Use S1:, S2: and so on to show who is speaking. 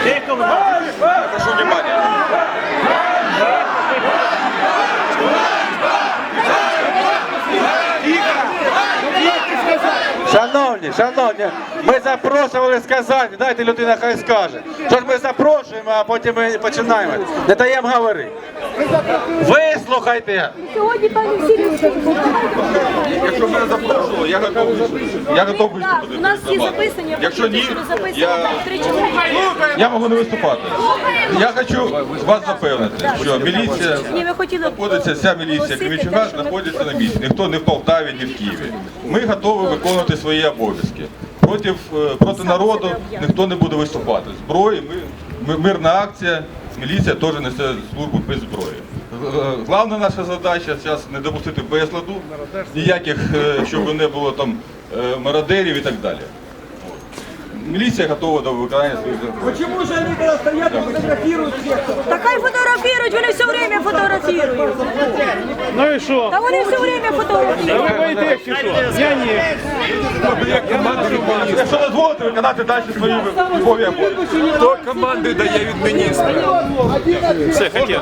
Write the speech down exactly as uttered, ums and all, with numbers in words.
S1: Прошу внимания.
S2: Шановні, шановні, ми запрошували з Казані, дайте людина хай скаже. Що ж ми запрошуємо, а потім ми починаємо. Не даємо говорити. Вислухайте.
S3: Сьогодні пані Сірівська.
S1: Якщо мене запрошували, я готовий. Я готовий
S3: Так,
S1: виступити.
S3: у нас всі записані,
S1: Якщо ні,
S3: записані
S1: я,
S3: так, три чоловіки.
S1: я можу не виступати. Я хочу вас запевнити, що міліція
S3: Ні, ми хотіли
S1: знаходиться, вся міліція
S3: оголосити
S1: Кременчука
S3: те, що ми-
S1: знаходиться на місці. Ніхто не в Полтаві, ні в Києві. Ми готові виконувати свої обов'язки. Проти, е, проти народу ніхто не буде виступати. Зброї, ми, ми, мирна акція, міліція теж несе службу без зброї. Г- Головна наша задача зараз не допустити безладу, ніяких, е, щоб не було там е, мародерів і так далі. Міліція готова до виконання своїх завдань.
S4: Почему же они когда стоят и фотографируют всех?
S3: Та хай фотографірують, вони все время фотографірують.
S5: Ну і що?
S3: Та вони все время
S5: Ви
S3: фотографірують.
S5: боїтесь чи що? Я ні.
S1: Якщо дозволите виконати далі свої військові обов'язки.
S6: Хто команди дає від міністра?
S5: Все, хотів.